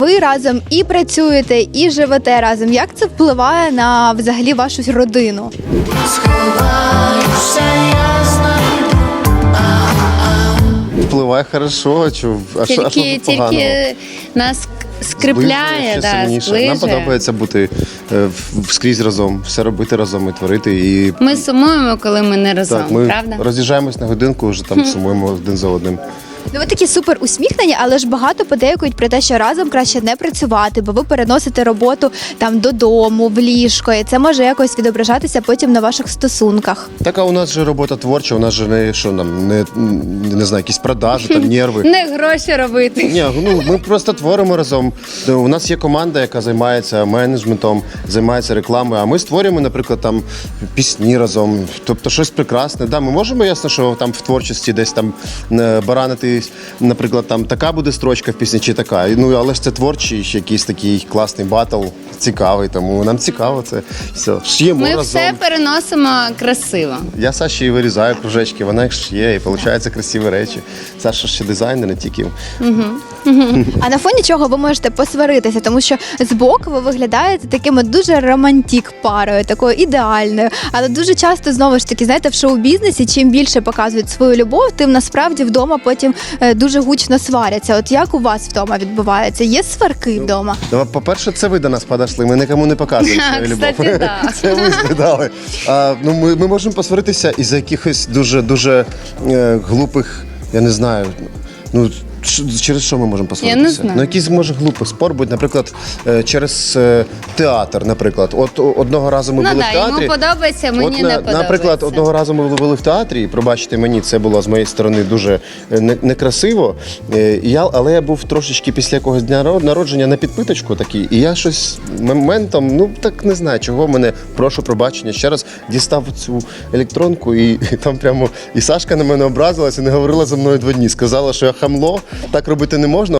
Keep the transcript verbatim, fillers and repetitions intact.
Ви разом і працюєте, і живете разом. Як це впливає на взагалі вашу родину? Впливає хорошо, чу, а що, а що Тільки, тут поганого? тільки нас скріпляє, Зближує ще да, сильніше. Нам зближує. подобається бути е, в- скрізь разом, все робити разом і творити. І Ми сумуємо, коли ми не разом, так, ми правда? роз'їжджаємось на годинку, вже там сумуємо один за одним. Ну, ви такі супер усміхнені, але ж багато подейкують про те, що разом краще не працювати, бо ви переносите роботу там додому, в ліжко, і це може якось відображатися потім на ваших стосунках. Так, а у нас же робота творча, у нас же не що нам, не, не знаю, якісь продажі, там нерви. Не гроші робити. Ні, ну ми просто творимо разом. У нас є команда, яка займається менеджментом, займається рекламою. А ми створюємо, наприклад, там пісні разом, тобто щось прекрасне. Да, ми можемо, ясно, що там в творчості десь там е, баранити, наприклад, там така буде строчка в пісні чи така. Ну але ж це творчий, ще якийсь такий класний батл, цікавий. Тому нам цікаво це все. Шиємо Ми разом. все переносимо красиво. Я Саші і вирізаю кружечки, вона їх шиє, і виходять красиві речі. Саша ще дизайнер, не тільки. А на фоні чого ви можете посваритися, тому що збоку ви виглядаєте такими дуже романтік парою, такою ідеальною. Але дуже часто, знову ж таки, знаєте, в шоу-бізнесі чим більше показують свою любов, тим насправді вдома потім е, дуже гучно сваряться. От як у вас вдома відбувається? Є сварки вдома? Ну, по-перше, це ви до нас подошли, ми нікому не показуємо свою любов. Кстати, да. Це ви згадали. А, ну, ми, ми можемо посваритися із-за якихось дуже-дуже е, глупих, я не знаю, ну, ш- через що ми можемо посваритися? Я не знаю. Ну, якийсь, може, глупий спор, будь, наприклад, е, через е, театр, наприклад. От о- одного разу ми Ну були да, в театрі. йому подобається, мені От, не на- подобається. Наприклад, одного разу ми були в театрі, і, пробачте мені, це було з моєї сторони дуже е, не- некрасиво. Е, і я, але я був трошечки після якогось дня ро- народження на підпиточку такий, і я щось моментом, ну так не знаю, чого мене, прошу пробачення, ще раз дістав цю електронку, і, і там прямо і Сашка на мене образилась і не говорила зі мною два дні. Сказала, що я хамло, так робити не можна.